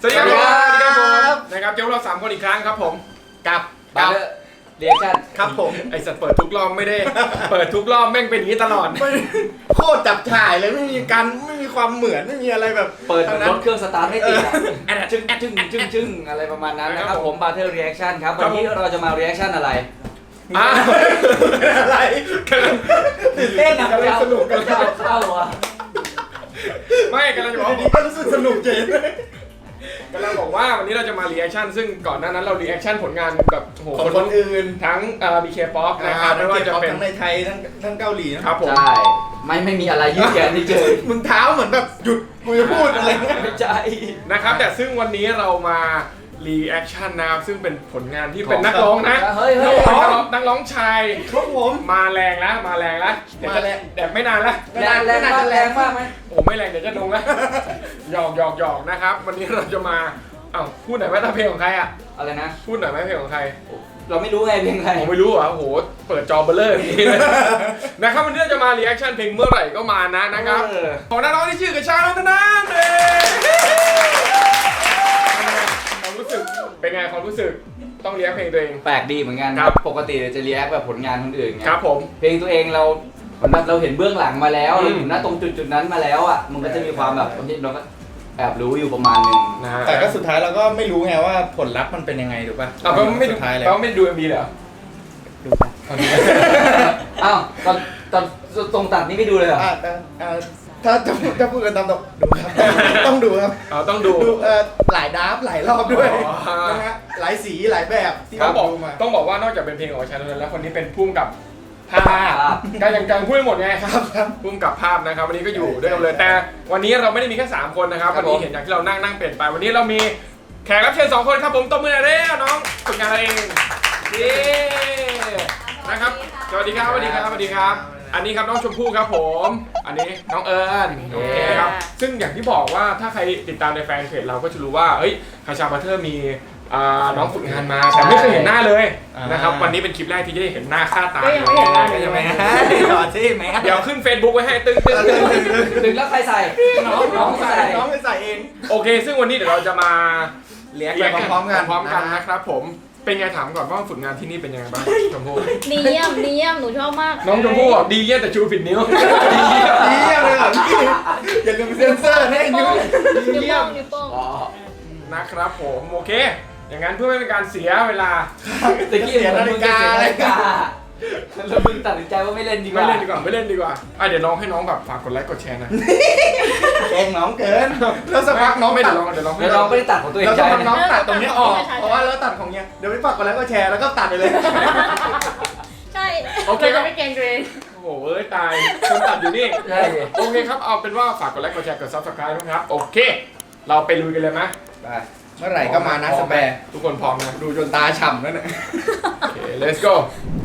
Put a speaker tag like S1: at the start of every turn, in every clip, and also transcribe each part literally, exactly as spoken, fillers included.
S1: วัสดีครับนะครับเจ้าเราสามคนอีกครั้งครับผมกับกับ
S2: เรียกกัน
S1: ครับผมไอสัตว์เปิดทุกรอบไม่ได้เปิดทุกรอบแม่งเป็นอย่างนี้ตลอด
S3: โคตรจับฉ่ายเลยไม่มีการไม่มีความเหมือนไม่มีอะไรแบบ
S2: เปิดรถเครื่องสตาร์ทไม่ติดแอดจึงแอดจึงจึงจึงอะไรประมาณนั้นนะครับผมบาร์เทอร์รีแอคชั่นครับวันนี้เราจะมารีแอคชั่นอะไร
S1: อ่ะ
S3: อะไร
S1: กำลัง
S2: ตื่นเต้นนะ
S1: กำลังสนุกกัน
S2: เข้าเข้าอ่ะ
S1: ไม่กำลังจะบอก
S3: ก็รู้สึกสนุกจริง
S1: กำลังบอกว่าวันนี้เราจะมารีแอคชั่นซึ่งก่อนหน้านั้นเรารีแอคชั่นผลงานแบบโห
S3: คนอื่น
S1: ทั้งมีเคป๊อปนะครับไม่ว่าจะเป็น
S3: ทั้งในไทยทั้งทั้งเกาหลี
S1: นะครับผม
S2: ใช่ไม่ไม่มีอะไรยืดแขนที่เจอ
S3: มึงเท้าเหมือนแบบหยุดกูจะพูดอะไรเงี้ย
S2: ไม่ใช่
S1: นะครับแต่ซึ่งวันนี้เรามารีแอคชั่นนะครับซึ่งเป็นผลงานที่เป็นนักร้องนะ
S2: เฮ้ยเฮ้ย
S1: นักร้องชาย
S3: ครับผม
S1: มาแรงแล้วมาแรงแล้ว
S3: มาแรง
S1: แต่ไม่นานแล้ว
S2: แรงแรงมากแรงมากไหม
S1: โอ้ไม่แรงเดี๋ยวจะลงแล้วหยอกหยอกหยอกนะครับวันนี้เราจะมาอ้าวพูดหน่อยว่าเพลงของใครอะ
S2: อะไรนะ
S1: พูดหน่อยไหมเพลงของใคร
S2: เราไม่รู้ไงเพลงใคร
S1: ผมไม่รู้อ่ะโหเปิดจอเบลเลอร์อย่างนี้เลยนะครับวันนี้จะมารีแอคชั่นเพลงเมื่อไหร่ก็มานะนะครับของนักร้องที่ชื่อกระชากนันนันเความรู้สึกเป็นไงความรู้สึกต้องเรียกเพลงตัวเอง
S2: แปลกดีเหมือนกันครับปกติจะเรียกแบบผลงานคนอื่นไง
S1: ครับผม
S2: เพลงตัวเองเราเราเห็นเบื้องหลังมาแล้วเราอยู่ณตรงจุดจุดนั้นมาแล้วอ่ะมันก็จะมีความแบบเราก็แอบรู้อยู่ประมาณนึง
S3: นะแต่ก็สุดท้ายเราก็ไม่รู้ไงว่าผลลัพธ์มันเป็นยังไงถูกป่ะ
S1: เราไม่ดูเราไม่ดูเอ็มบีเหรอ
S3: ดูป่ะ
S2: อ้าวตอนตอนตรงตัดนี่ไม่ดูเลยเหรอ
S3: ถ้าจะจะพูดกันตามตรงดูครับต้องดูครับ
S1: อ๋อต้องดู
S3: หลายดราฟหลายรอบด้วยนะฮะหลายสีหลายแบบ
S1: ที่เขาบอกมาต้องบอกว่านอกจากเป็นเพลงของชาโนแล้วคนนี้เป็นพุ่มกับภาพการยังการพูดหมดไงครับพุ่มกับภาพนะครับวันนี้ก็อยู่ด้วยกันเลยแต่วันนี้เราไม่ได้มีแค่สามคนนะครับวันนี้เห็นอย่างที่เรานั่งนั่งเปลี่ยนไปวันนี้เรามีแขกรับเชิญสองคนครับผมตบมือหน่อยเร็วน้องฝึกงานเราเองดีนะครับสวัสดีครับสวัสดีครับสวัสดีครับอันนี้ครับน้องชมพู่ครับผมอันนี้น้องเอิญโอเคครับซึ่งอย่างที่บอกว่าถ้าใครติดตามในแฟนเพจเราก็จะรู้ว่าเฮ้ยคาชาบัตเตอร์มีน้องฝึกงานมาแต่ไม่เคยเห็นหน้าเลยนะครับวันนี้เป็นคลิปแรกที่จะได้เห็นหน้าค่าตา
S3: ก็ยังไม่เห็นหน้าเลยไหมต่อที่ไหม
S1: เดี๋ยวขึ้น Facebook ไว้ให้ตึ้งตึ้ง
S2: ตึ้งแล้วใครใส่น้องน้องใส่
S3: น้องไม่ใส่เอง
S1: โอเคซึ่งวันนี้เดี๋ยวเราจะมา
S3: เรียกพร้อมกัน
S1: พร้อมกันนะครับผมเป็นไงถามก่อนว่าฝึกงานที่นี่เป็นยังไงบ้างชมพู่
S4: ดีเยี่ยมดีเยี่ยมหนูชอบมาก
S1: น้องชมพู่ดีเยี่ยมแต่ชูผิดนิ้ว
S3: ดีเยี่ยมดีเยี่ยมเลยเหรอพี่อย่าลืมเซ็นเซอร์ให้นิ้ว
S4: ดีเยี่ยมนิ้วโป้ง
S1: นะครับผมโอเคอย่างนั้นเพื่อไม่เป็นการเสียเวลา
S2: ตะกี้เสียนาฬิกานาฬิกาแล้วมึงตัดสินใจว่าไม่เล่นดีกว่า
S1: ไม่เล่นดีกว่าไม่เล่นดีกว่าอ่ะเดี๋ยวน้องให้น้องแบบฝากกดไลค์กดแชร์นะ
S3: แกงน้องเกินแล้วสักพักน้อง
S1: ไม่เดี๋ยวน้องเดี๋ยวน้อง
S2: เดี๋ยวน้องไม่ได้ตัดของตัวเอง
S3: แล้วสักพักน้องตัดตรงนี้ออกเพราะว่าแล้วตัดของเนี้ยเดี๋ยวไม่ฝากกดไลค์กดแชร์แล้วก็ตัดไปเลย
S4: ใช่โอเคก็ไม่เก่งตัวเอง
S1: โอ้โหเอ้ยตายคนตัดอยู่นี่ใช่โอเคครับเอาเป็นว่าฝากกดไลค์กดแชร์กดซับสไครต์นะครับโอเคเราไปลุยกันเลยไหม
S3: ได้เมื่อไหร่ก็มานะสแปร์
S1: ทุกคนพร้อมนะ
S3: ดูจนตาฉ่ำแล้วเนี่ย
S1: โอเค let's go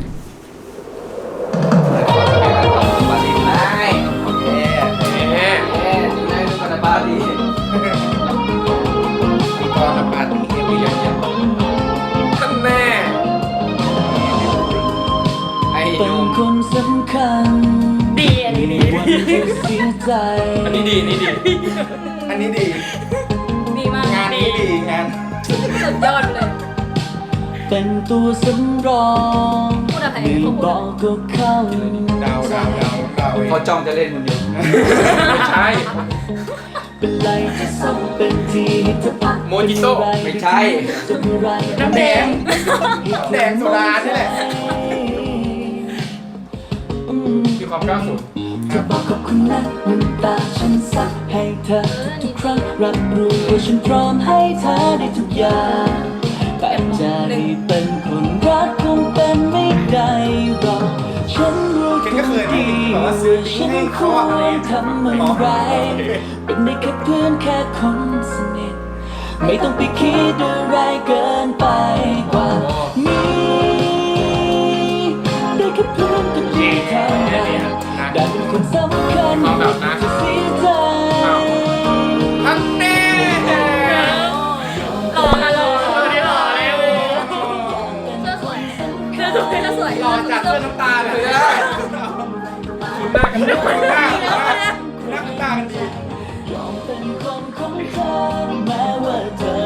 S2: บาลีได้โอเค
S1: เอ๊ะ
S2: เอ๊ะได้ดูกันบาลี
S3: มีกองปาร์ตี้เยอะๆ
S1: ท่านแน่
S2: ไอ้หนุ่มคนสำคัญ
S4: ดีอันนี้ดี
S1: อันนี้ดีนี่ดี
S3: อันนี้ดี
S4: ดีมาก
S3: งานนี้ดีงาน
S4: สุดยอดเลย
S2: เป็นตัวสำรอง
S4: พูดอะไร
S2: เขาบอกก็เข้า
S3: ดาวดาวดาวดาว
S2: เขาจ้องจะเล่นคนเดียว
S1: ไม่ใช่
S2: เป็นไรจะส่งเป็นทีจะพัก
S1: โมจิโต้
S2: ไม่ใช่
S3: น้ำแดงแดงโซดานี่แหละ
S1: มีความกล้าสุด
S2: จะบอกขอบคุณนะน้ำตาฉันซักให้เธอทุกครั้งรับรู้ว่าฉันพร้อมให้เธอได้ทุกอย่างแต่จะได้เป็นคนรักคงเป็นไม่ได้หรอกฉันรู้ตัวดีว่าฉันควรทำอะไรเป็นได้แค่เพื่อนแค่คนสนิทไม่ต้องไปคิดอะไรเกินไปกว่านี้ได้แค่เพื่อนก็ดีเท่านั้นได้เป็นคนสำคัญจะเสียใจ
S1: ท่านแน่
S4: หล่อค่ะหล่อตัวนี้หล่อเลยเสื้อสวยเสื้อสวยเสื้อสวยหล่อ
S3: จัดเสื้อน้ำตาเลย
S1: คุณหน้ากันได้ไหมหน้า
S3: หน้าน้ำตากันดี
S2: เป็นคนของเธอแม้ว่าเธอ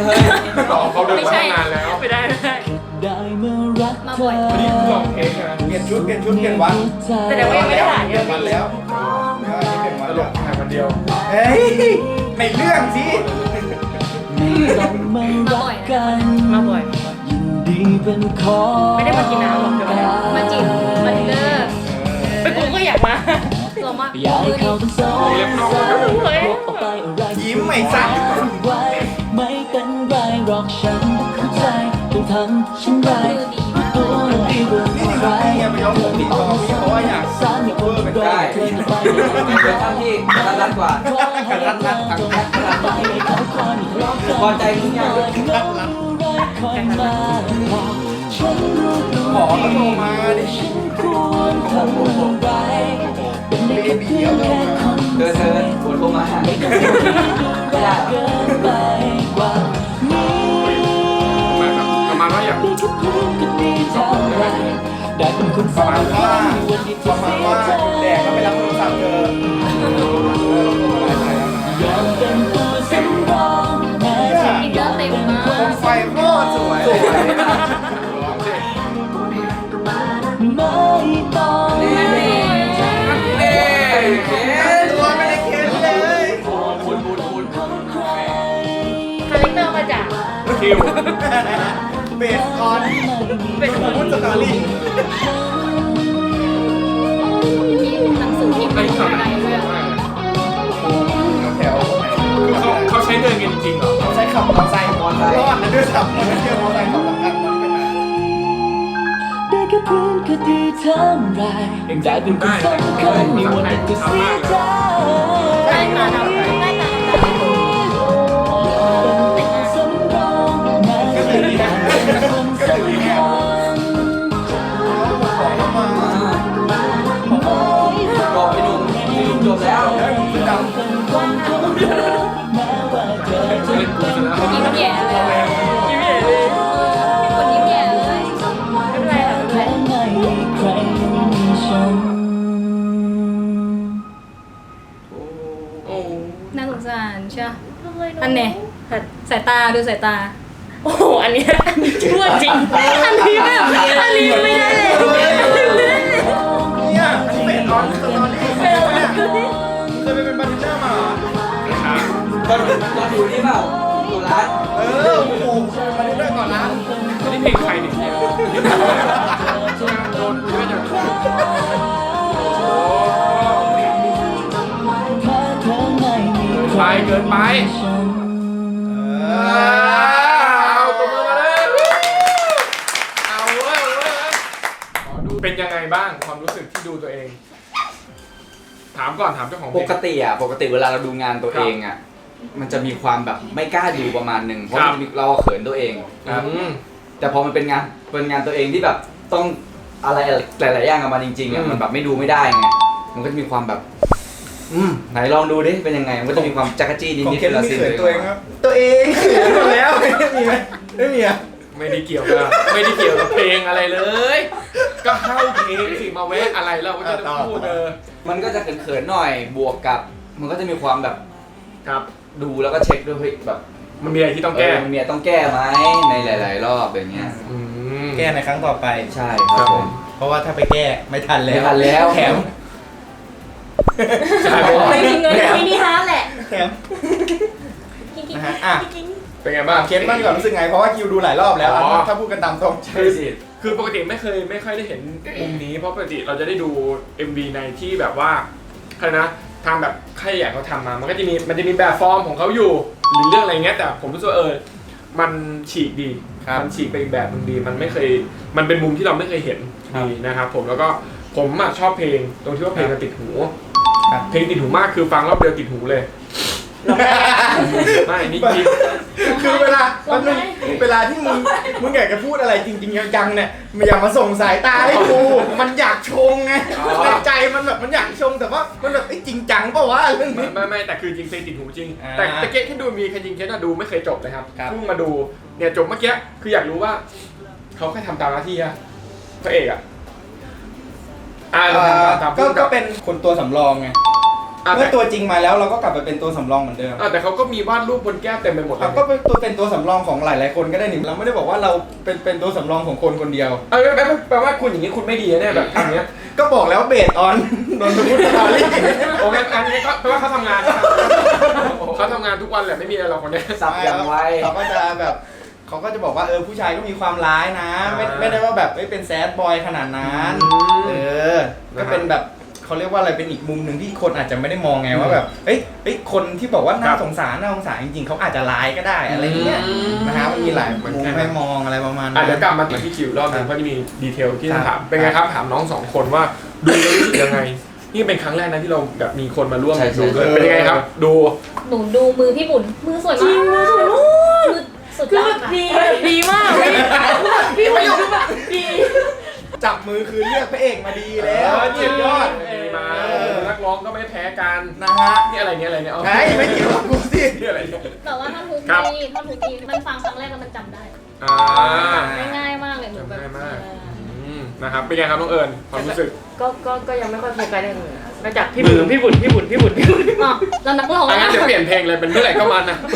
S3: เฮ้ย
S1: ต่อเขาเดิน
S4: ไม่
S1: มา
S4: ใช่
S1: ตั้งนานแล้ว
S4: ไม่ได้ไม่ได้
S2: ได้เมื่อรัก
S4: มา
S2: เธ
S4: บ่
S2: อ
S4: อย
S1: วันนี้ลองเทคนะ
S3: เปลี่ยนชุดเปลี่ยนชุดเปลี่ยนวัน
S4: แต่เดี๋ยวว่ายังไม่ได้ถ่าย
S3: เปลี่ยนวันแล้วเดี๋ยวอันนี้เปลี่ยนวัน
S1: ตล
S3: แล้ว
S1: กถ่ายวันเดียว
S3: เฮ้ยในเรื่องสิ
S2: ไม่ต้องมารักกัน
S4: มาบ่อย
S2: ยินดีเป็นของ
S4: ไม่ได้มากินน้ำหรอกเดี๋ยวมาจีบมาดินเนอร์ไปกูก็อยากมาลองมา
S2: อยากให้เขาเป็นสองสาวพบออกไปอะไร
S3: ยิ้มไม่สั่น
S2: ไว้ไม่เป็นไรหรอกฉันเข้าใจต้องทำฉันไรตัวดีกว่า
S3: นี่
S2: ใคร
S3: นี่เนี่ยไปย้อมผมติดต่อพี่เพราะว่าอยาก
S2: สารมีคนเป็นไรเกินไป
S5: เดี๋ยวทำที่รัดรัดกว่า
S2: ขอให้เราต้องไปให้เขาคอยรอ
S5: พอใจทุกอย่าง
S2: คอยมาบอกฉันรู้ตัว
S3: หมอก็โทรมาดิ
S2: ฉันควรทำอะไรเป็นได้แค่เพียงแค่คน
S5: เธอเธอปวดโทรมาหา
S2: ไม่ต้องคิดดูรักเกินไปกว่านี้
S1: แบบประมาณว่าอยากดู
S2: ทุกคืนก็ดีเท่าไรได้เป็นคนสำคัญวันที่
S3: ป
S2: จะ
S3: ระมา
S2: เสี
S3: ณ
S2: ย
S3: ว่า
S2: ใจ
S3: แดกก็ไปรับโทรศัพท์เธอเออเราโทรมาหลายสายแล้วนะ
S2: ยอมเป็นตัวสำรองแม้จะ
S4: กินเยอะเต็มมาก
S3: โคมไฟโคตรสวย
S1: ร้องสิ
S2: ไม่ต้อง
S5: เน่เน่เค้น
S3: ตัวไม่ได้เค้นเลย
S5: บุญบุญบุญ
S4: คาแรคเตอร์มาจาก
S1: คิว
S3: เบสออน
S4: เป็น
S3: สมมุติสตอรี่
S4: มีหนังสือพิมพ์
S1: ไอ้
S4: ใน
S1: ข่าว
S4: ไทยด้วย
S3: แถวไหน
S1: เขาเขาใช้เดินกันจริงๆเหรอ
S3: เขาใช้ขับมอเตอร์ไซค์รอดนะด้วยซ้ำไม่เที่ยวมอเตอร์ไซค์ขับสำคัญมันเป็นอะไร
S2: ได้แค่เพื่อนก็ดีเท่าไรได้เป็นคนสำคัญมีวันหนึ่งก็เสียใจ
S4: ได้มาทำได้ตามแต่ไม่ถูก
S2: เป็นสำรองแม้จะเป็นคนสำคัญ
S3: บอกเข้ามา
S5: จบไปหนุ่มจบแล้ว
S3: แล้วมึงจะดำ
S2: เป็นคนของเธอแม้ว่าเธอจะ
S1: เล่นกูซะแล้ว
S4: ยิ้มแย่เลยยิ้มแย่เลยเป็นคนยิ้มแย่เลยไม่เป็นไรค่ะไม่เป็นไร
S2: ไม่มีใครมีฉัน
S1: โอ้
S4: น่าสงสารใช่ไหมอันเนี้ยสายตาดูสายตา โอ้โห อันเนี้ยชั่วจริง อันนี้แบบอันนี้ไม่ได้เลย
S3: เนี่ยอันนี้เบสออนสตอรี่เคยไปเป็นบาร์เทนเดอร์มาเหรอ
S1: ครับ
S5: ตอนตอนอยู่นี่เปล่าตัวร้าน
S3: เออโอ้โหบาร์เทนเดอร์ก่อนร้าน
S1: อันนี้เพลงใครเนี่ยเนี่ยโดนกูเยอะจังโอ้
S2: ถ้าเธอไม่มีใคร
S1: ไปเกินไป
S2: ฉัน
S1: เอาตัวมือมาเลยเอาเว้ยเอาเว้ยขอดูเป็นยังไงบ้างความรู้สึกที่ดูตัวเอง ถามก่อนถามเจ้าของเพ
S5: ป
S1: ลง
S5: กติอ่ะปกติเวลาเราดูงานตัวเองอ่ะมันจะมีความแบบไม่กล้าดูประมาณหนึ่งเพราะ
S1: ครับ
S5: มันจะมีเราเขินตัวเอง
S1: อืม
S5: แต่พอมันเป็นงานเป็นงานตัวเองที่แบบต้องอะไรหลาย ๆ อย่างกับมันจริงๆ
S1: อื
S5: อ่ะ
S1: ม
S5: มันแบบไม่ดูไม่ได้ไงมันก็จะมีความแบบ อืมไหนลองดูดิเป็นยังไงมันก็จะมีความจักรจี้นิ
S3: ของ
S5: ดๆ
S3: เคน
S5: วลา
S3: มี
S5: ซีน
S3: เขินตัวเองครับ ตัวเองเขินหมดแล้วไม่มีไหมไม่มีอ่ะ
S1: ไม่ได้เกี่ยวกับไม่ได้เกี่ยวกับเพลงอะไรเลย ก็เข้าเพลงสิมาแวะอะไรแล้วก็จะพูดเออ
S5: มันก็จะเขินๆหน่อยบวกกับ มันก็จะมีความแบบ
S1: ครับ
S5: ดูแล้วก็เช็คด้วยเฮ้ยแบบ
S1: มันมีอะไรที่ต้องแก้
S5: เมันมีอะไรต้องแก้ไหมในหลาย ๆ รอบอย่างเงี้ย
S1: อืม
S3: แก้ในครั้งต่อไป
S5: ใช่ครับผม
S3: เพราะว่าถ้าไปแก้ไม่ทันแล้ว
S5: ไม่ทันแล้ว
S3: แถม
S1: ใช่ไหม
S4: ไม่มีเงินมินิฮาร์ทแหละ
S3: แถมนะฮะอ่ะ
S1: เป็นไงบ้าง
S3: เคนบ้างดีกว่ารู้สึกไงเพราะว่าคิวดูหลายรอบแล้วอ่ะ
S1: อ๋อ
S3: ถ้าพูดกันตามตรง
S5: ใช่สิ
S1: คือปกติไม่เคยไม่ค่อยได้เห็นมุมนี้เพราะปกติเราจะได้ดู เอ็ม วี ในที่แบบว่าใครนะทางแบบใครอยากเขาทำมา มันก็จะมีมันจะมีแบบฟอร์มของเขาอยู่หรือเรื่องอะไรเงี้ยแต่ผมรู้สึกว่าเออมันฉีกดีมันฉีกไปอีกแบบนึงดีมันไม่เคยมันเป็นมุมที่เราไม่เคยเห็นดีนะครับผมแล้วก็ผมอ่ะชอบเพลงตรงที่ว่าเพลงมันติดหูเพลงติดหูมากคือฟังรอบเดียวติดหูเลยไม่นี่จริง
S3: คือเวลามันงเวลาที่มึงมึงอยากจะพูดอะไรจริงๆจังๆเนี่ยมันอย่ามาส่งสายตาให้กูมันอยากชงไงในใจมันแบบมันอยากชงแต่ว่ามันแบบไอ้จริงจังเปล่าวะเรื่อง
S1: ไม่
S3: นี้
S1: ไม่ไม่แต่คือจริงเพลงติดหูจริง
S3: อ่า
S1: แต่ตะเกียบที่ดูมีใครจริงแค่น่าดูไม่เคยจบเลยครับ
S3: ครับ
S1: เพิ่งมาดูเนี่ยจบเมื่อกี้คืออยากรู้ว่าเขาแค่ทำตามหน้าที่อะพระเอกอะอ่าเราทำตามตาม
S3: ก็
S1: ผู้กำ
S3: ก็
S1: กับ
S3: เป็นคนตัวสำรองไง
S1: อ่ะ
S3: เมื่อตัวจริงมาแล้วเราก็กลับไปเป็นตัวสำรองเหมือนเดิม
S1: อ่ะแต่เขาก็มีวาดรูปบนแก้วเต็มไปหมดเล
S3: เรา
S1: ย
S3: ก็เป็นตัวเป็นตัวสำรองของหลายๆคนก็ได้นี่เราไม่ได้บอกว่าเราเป็นเป็นตัวสำรองของคนคนเดียว
S1: เออแปลว่าแปลว่าคุณอย่างนี้คุณไม่ดีแน่แบบอย่างเงี้ย
S3: ก็บอกแล้วเบสออนนนทบุรีสตอรี่
S1: โอ้งั้นอันนี้ก็แปลว่าเขาทำงานนะครับเขาทำงานทุกวันแหละไม่มีอะไรหรอกคนเนี้ย
S5: สับอย่างไว
S3: เขาก็จะแบบเขาก็จะบอกว่าเออผู้ชายก็มีความร้ายนะ ไม่
S1: อ่า
S3: ไม่ได้ว่าแบบไม่เป็นแซดบอยขนาดนั้น
S1: อืม
S3: เออ
S1: นะฮะ
S3: ก็เป็นแบบเขาเรียกว่าอะไรเป็นอีกมุมหนึ่งที่คนอาจจะไม่ได้มองไงว่าแบบเอ้ยเอ้ยคนที่บอกว่าน่า
S1: ครับ
S3: สงสารน่าสงสารจริงๆเขาอาจจะร้ายก็ได้อะไรอย่างเงี้ย
S1: อืม
S3: นะฮะมันมีหลาย
S1: เหมือน
S3: มุม
S1: กัน
S3: ให้มองอะไรประมาณ
S1: อ่ะ
S3: นั้น
S1: เดี๋ยวกลับมาที่คิวรอบหนึงเพราะจะมีดีเทลที่ต้อง
S3: ครั
S1: ถา
S3: บ
S1: มเป็นไงครับถามน้องสองคนว่าดูแล้วรู้สึกยังไงนี่เป็นครั้งแรกนะที่เราแบบมีคนมาร่วม
S5: ใช่ใช่
S1: ดูด้วยเป็นยังไงครับ ดู
S4: หนูดูมือพี่บุญมือสวยมาก
S6: จริงมือสวยมาก
S4: มือสุด
S6: คื
S4: ย
S6: อ
S4: อ
S6: แบ
S4: ด
S6: บ
S4: ค่ะ
S6: ดีแบบดีมากพี่พี่บุ๋มคือแบบดี
S3: จับมือคือเลือกพระเอกมาดีแล้ว
S1: เออ
S3: เจ็ดยอด
S1: ดีมา
S3: เออ
S1: นักร้องก็ไม่แพ้กัน
S3: นะฮะ
S1: นี่อะไรเนี่ยอะไรเนี่ยเอา
S3: ใช่ไม่เกี่ยวกับกูสิ
S1: นี่อะไรเนี่ย
S4: แต่ว่าท่อนฮุก
S1: ครับ
S4: ดีท่อนฮุกดีมันฟังครั้งแรกแล้วมันจำได้
S1: อ่า
S4: ง่ายๆมากเลยหนูแบบ
S1: จำได้มาก
S4: เออ
S1: อืมนะครับเป็นไงครับน้องเอิญความรู้สึก
S6: ก็ก็ก็ยังไม่ค่อยโฟกัสอย่างอื่นอะนอกจากพี่บุ๋มพี่บุ๋มพี่บุ๋มพี่บุ๋มพี่บุ๋ม
S4: อ๋อแล้วนักร้อง
S1: อ่ะงั้นเดี๋ยวเปลี่ยนเพลงเลยเป็นเมื่อไหร่ก็มันนะ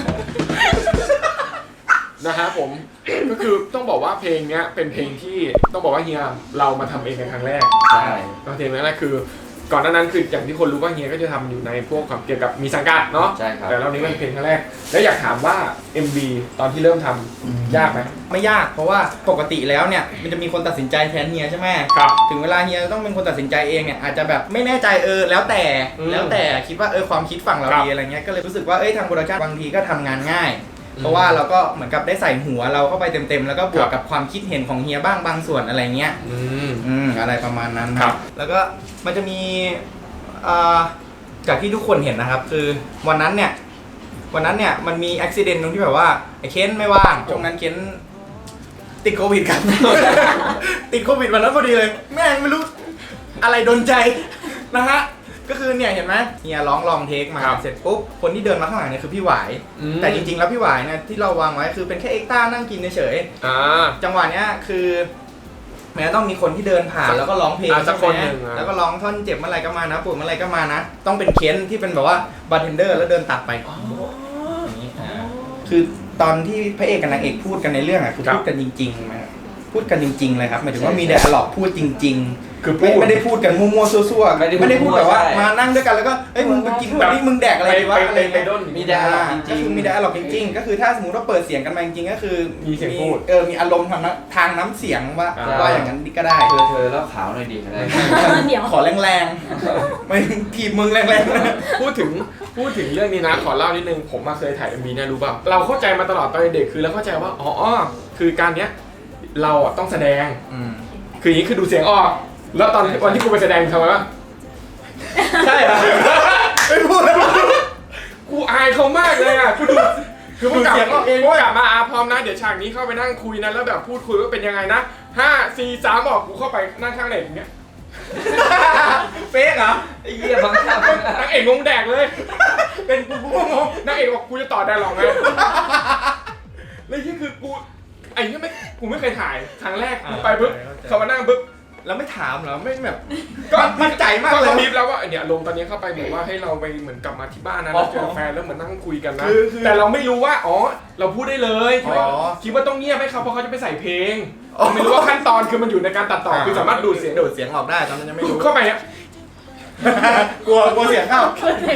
S1: นะฮะผมก็คือต้องบอกว่าเพลงเนี้ยเป็นเพลงที่ต้องบอกว่าเฮียเรามาทำเองในครั้งแรก
S5: ใช่
S1: ก็เพลงแรกคือ ก่อนหน้านั้นคืออย่างที่คนรู้ว่าเฮียก็จะทำอยู่ในพวกเกี่ยวกับมีสังกัดเนาะ
S5: ใช่ครับ
S1: แต่รอบนี้เป็นเพลงครั้งแรก แล้วอยากถามว่า เอ็ม วี ตอนที่เริ่มทำยากไหม
S3: ไม่ยากเพราะว่าปกติแล้วเนี่ยมันจะมีคนตัดสินใจแทนเฮียใช่ไหม
S1: ครับ
S3: ถึงเวลาเฮียต้องเป็นคนตัดสินใจเองเนี่ยอาจจะแบบไม่แน่ใจเออแล้วแต่
S1: อืม
S3: แล้วแต่คิดว่าเออความคิดฝั่งเรา
S1: ครับ
S3: ดีอะไรเงี้ยก็เลยรู้สึกว่าเอ้ยทางโปรดักชั่นบางทีก็ทำงานง่าย
S1: อืม
S3: เพราะว่าเราก็เหมือนกับได้ใส่หัวเราเข้าไปเต็มๆแล้วก็บว
S1: ครั
S3: ก
S1: บ
S3: กับความคิดเห็นของเฮียบ้างบางส่วนอะไรเงี้ย
S1: อืม
S3: อืมอะไรประมาณนั้นนะครับ แล้วก็มันจะมีเอ่อจากที่ทุกคนเห็นนะครับ คือวันนั้นเนี่ยวันนั้นเนี่ยมันมีอุบิเหตุตรงที่แบบว่าไอ้เค้นไม่ว่างช่วงนั้นเค้นติดโควิดกัน ติดโควิดวันนั้นพอดีเลยแม่งไม่รู้อะไรโดนใจนะฮะก็คือเนี่ยเห็นไหมเฮียร้องลองเทคมา
S1: ครับ
S3: เสร็จปุ๊บคนที่เดินมาข้างหลังเนี่ยคือพี่หวาย
S1: อืม
S3: แต่จริงๆแล้วพี่หวายเนี่ยที่เราวางไว้คือเป็นแค่เอ็กซ์ต้านั่งกินเฉยๆ
S1: อ่า
S3: จังหวะเนี้ยคือแม้ต้องมีคนที่เดินผ่าน
S1: สัก
S3: แล้วก็ร้องเพลง
S1: อ่ะสัก
S3: ใช่ไหม
S1: คนหนึ่งอ่ะ
S3: แล้วก็ร้องท่อนเจ็บเมื่อไหรก็มานะปวดเมื่อไหรก็มานะ ต้องเป็นเค้นที่เป็นแบบว่าบาร์เทนเดอร์แล้วเดินตัดไปอย่างนี้อ่าคือตอนที่พระเอกกับนางเอกพูดกันในเรื่องอ่ะคือ
S1: ครับ
S3: พูดกันจริงๆนะครับพูดกันจริง ๆ เลยครับหมายถึงว่ามีไดอะล็อกพูดจริง
S1: คือ
S3: ๆ
S1: พู
S3: ไม่
S1: ด
S3: ไม่ได้พูดกันมั่วๆซั่วๆ
S5: ไม่ได้พูด
S3: ไม่ได้พูดแบบว่า
S5: ใช่
S3: มานั่งด้วยกันแล้วก็เอ้ยมึงไปกิน
S1: แบบ
S3: นี่มึงแดกอะไรดีวะ
S1: ไป
S3: อะไร
S1: ไปไป
S3: เงี้ย
S1: ด้น
S5: มีไดอะล็อกจ
S3: ก็
S5: ริง
S3: คือมีไดอะล็อกจริงๆ ก็คือถ้าสมมติว่าเปิดเสียงกันมาจริงๆ ก็คือ
S1: มีเสียงพูด
S3: เออ มีอารมณ์ทางน้ำทางน้ำเสียงว่า
S1: อ่า
S3: ว่าอย่างนั้นก็ได้
S5: เธอเธอแล้วขาวหน่อยดีอะไร
S4: เดี๋ยว
S3: ขอแรงๆ ไม่ถีบมึงแรง
S1: พูดถึงพูดถึงเรื่องนี้นะขอเล่านิดนึงผมมาเคยถ่าย เอ็ม วีเนี่ยรู้ป่ะเราเข้าใจมาตลอดตอนเด็กคือเราเข้าใจว่าอ๋อคือการเนี้ยเราอ่ะต้องแสดง
S3: ๆอืม
S1: คืออย่างนี้คือดูเสียงออก แล้วตอนวันที่กูไปแสดงทำไมวะ
S3: ใช่เหรอ ไม่พูดแล้ว
S1: กูอายเขามากเลยอ่ะกูดูคือพวกกลับ
S3: ดูเสียงออกเอง
S1: พวกกลับมาอาพร้อมนะเดี๋ยวฉากนี้เข้าไปนั่งคุยนะแล้วแบบพูดคุยว่าเป็นยังไงนะห้าสี่สามออกกูเข้าไปนั่งข้างไหนอย่างเงี้ย
S3: เฟกเหรอ
S5: ไอ้เหี้ยบังคับ
S1: นางเอกงงแดกเลย เป็นกูกูก็งงนางเอกบอกกูจะต่อได้หรอกไงแล้วที่คือกูไอ้เนี่ยไม่กูไม่เคยถ่ายครั้งแรกกูไปปุ๊บเขามานั่งปุ๊บ
S3: แล้วไม่ถามเหรอ ไม่แบบ
S1: ก็
S3: มั่นใจมาก
S1: ก็
S3: เลย
S1: เขาบีบแล้วว่าเนี่ยลงตอนนี้เข้าไปเหมือนว่าให้เราไปเหมือนกลับมาที่บ้านนะแล้วเจอแฟนแล้วเหมือนนั่งคุยกันนะ
S3: คือคือ
S1: แต่เราไม่รู้ว่าอ๋อเราพูดได้เลยคิดว่า
S3: อ๋อ
S1: คิดว่าต้องเงียบให้เขาเพราะเขาจะไปใส่เพลงเราไม่รู้ว่าขั้นตอนคือมันอยู่ในการตัดต่อคือสามารถดูดเสียง
S3: ดูดเสียงออกได้ตอนนั้นยังไม่รู้
S1: เข้าไปเนี่ย
S3: กลัวกลัวเสียงเข้า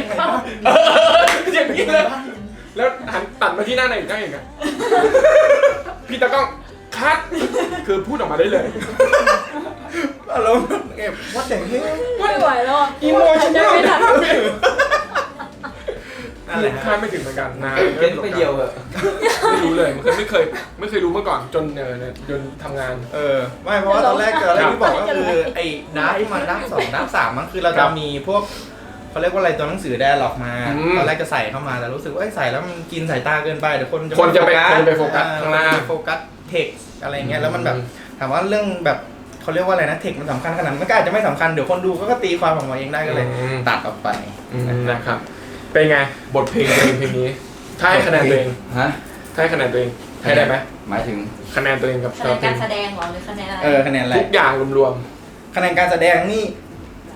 S1: อย่างนี้เลยแล้วหันตัดมาที่หน้าไหนอีกหน้าอีกอะพี่ตากล้องคัดคือพูดออกมาได้เลย
S3: อารมณ์เก็บวัดแต่งเฮ้ย
S6: ไม่ไหวแล้วอะ
S1: อีโมชั่น
S6: จะไม่ทัน
S3: นั่นแหละ
S1: คาดไม่ถึงเหมือนกันนะ
S5: เล่นไปเดียวเหอะ
S1: ไม่รู้เลยไม่เคยไม่เคยไม่เคยรู้มาก่อนจนเออเนี่ยจนทำงาน
S3: เออไม่เพราะว่าตอนแรกตอนแรกที่บอกก็คือไอ้ดับที่มันดับสองดับสามมันคือเรา
S1: ครั
S3: จะ
S1: บ
S3: มีพวกเขาเรียกว่าอะไรตัวหนังสือแดร์ล็อกมา
S1: อืม
S3: ตอนแรกจะใส่เข้ามาแต่รู้สึกว่าเอ้ยใส่แล้วมันกินสายตาเกินไปเดี๋ยวคน
S1: คนจะไป
S3: ม่
S1: คนจะไปโฟกัส
S3: เออ
S1: ข้างหน้า
S3: โฟกัสเทคอะไรเงี้ยแล้วมันแบบถามว่าเรื่องแบบเขาเรียกว่าอะไรนะเทคมันสำคัญขนาดนั้นมันก็อาจจะไม่สำคัญเดี๋ยวคนดูก็ตีความออกมาเองได้ก็เลย
S1: อืม
S3: ตัดออกไป
S1: อืมนะครับเป็นไงบทเพลงเพลงเพลงนี้ถ้าให้คะแนนตัวเอง
S5: ฮะ
S1: ถ้าให้คะแนนตัวเองให้ได้ไหม
S5: หมายถึง
S1: คะแนนตัวเองกับ
S4: คะแนนการแสดงเหรอหรือคะแนนอะไร
S3: เออคะแนนอะไร
S1: ทุกอย่างรวม
S3: คะแนนการแสดงนี่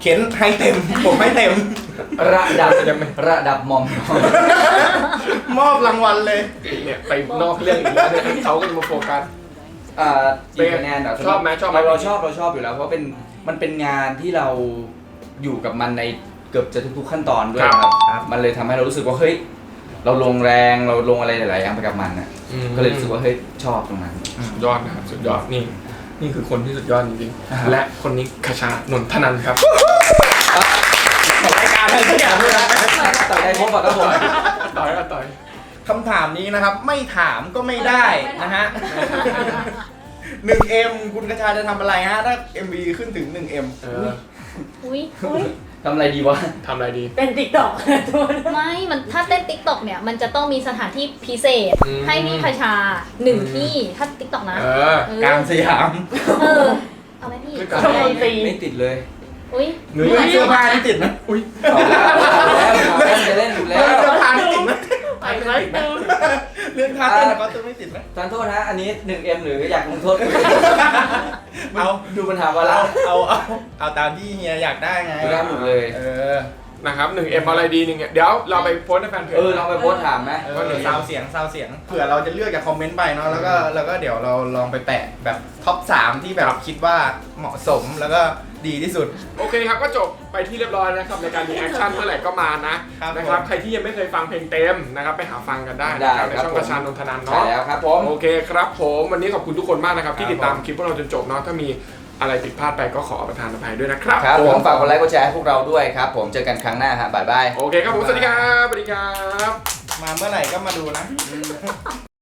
S3: เข็นให้เต็ม ผมให้เต็ม
S5: ระดับ
S1: ยังไม่
S5: ระดับมอม
S3: มอบรางวัลเลย
S1: เนี่ยไปนอกเรื่องอีกแล้วเนี่ยเขาก็จะมาโฟกัส
S5: อ่ากี่คะแนนเหรอ
S1: ชอบไหมชอบไหม
S5: เราเราชอบเราชอบอยู่แล้วเพราะเป็นมันเป็นงานที่เราอยู่กับมันในเกือบจะทุกๆขั้นตอนด้วยครับ
S3: ครับ
S5: มันเลยทำให้เรารู้สึกว่าเฮ้ยเราลงแรงเราลงอะไรหลายๆอย่างไปกับมันน่ะก็เลยรู้สึกว่าเฮ้ยชอบตรงนั้น
S1: สุดยอดนะครับสุดยอดนี่นี่คือคนที่สุดยอดจริง
S5: อ่าฮะ
S1: ๆและคนนี้คชานนทนันท์ครับ
S3: ของรายการอะไรสักอย่างด้วยนะ
S5: ต่อยได้พบปะครับผม
S1: ต่อยก็ต่อย
S3: คำถามนี้นะครับ ไม่ถามก็ไม่ได้นะฮะ หนึ่งเอ็มคุณกระชาจะทำอะไรฮะ ถ้า เอ็ม วี ขึ้นถึง หนึ่งเอ็ม
S1: เออ
S4: อุ้ย
S5: ทำอะไรดีวะ
S1: ทำอะไรดี
S6: เป็นติ๊กต็อกทุกคน
S4: ไม่มันถ้าเต้นติ๊กต็อกเนี่ยมันจะต้องมีสถานที่พิเศษ
S1: อืม
S4: ให้พี่คชาหนึ่งที่ถ้าติ๊กต็อกนะ
S1: เออ
S4: เออก
S3: ลางสยาม
S4: เออเอาไหมพี่
S1: ไม่กล้า
S6: ชมดนตรี
S5: ไม่ติดเลย
S4: อุ้ย
S1: เนื้อ
S3: เสื้อผ้าที่ติดนะ
S1: อุ้ย
S5: เอาแล้วเอาแล้วเอาแล้วจะเล่นอยู่แล้ว
S3: เสื้อผ้าที่ติดนะ
S6: ไปไว้ดู
S3: เรื่องท่าเต้นก็จะไม่ติดนะ
S5: ทานโทษนะอันนี้ หนึ่งเอ็ม หรืออยากลงโทษ
S3: เอา
S5: ดูปัญหาว่าละ
S3: เอาเอาเอาตามที่เฮียอยากได้ไง
S5: ได้หมดเลย
S3: เออ
S1: นะครับหนึ่งเอ็มอะไรดีหนึ่งเดี๋ยวเราไปโพสต์ในแฟนเพจ
S5: เออลองไปโพสต์ถามไหม
S3: เออซาวเสียงซาวเสียงเผื่อเราจะเลือกจากคอมเมนต์ไปเนาะแล้วก็แล้วก็เดี๋ยวเราลองไปแปะแบบท็อปสามที่แบบคิดว่าเหมาะสมแล้วก็ดีที่สุด
S1: โอเคครับก็จบไปที่เรียบร้อยนะครับในการรีแอคชั่นเมื่อไหร่ก็มานะครับ นะครับ
S3: ผม
S1: ใครที่ยังไม่เคยฟังเพลงเต็มนะครับไปหาฟังกันได้นะครับในช่องกระชานนทนันท์
S5: ใช่
S1: เนาะ
S5: แล้วครับผม
S1: โอเคครับผมวันนี้ขอบคุณทุกคนมากนะครับที่
S3: ครับ
S1: ติดตาม
S3: ผม
S1: คลิปพวกเราจนจบเนาะถ้ามีอะไรผิดพลาดไปก็ขอประทานอภัยด้วยนะครับ
S5: ครับผมฝากกดไลค์กดแชร์ให้พวกเราด้วยครับผมเจอกันครั้งหน้าครับบ๊ายบาย
S1: โอเคครับผมสวัสดีครับสวัสดีครับ
S3: มาเมื่อไหร่ก็มาดูนะ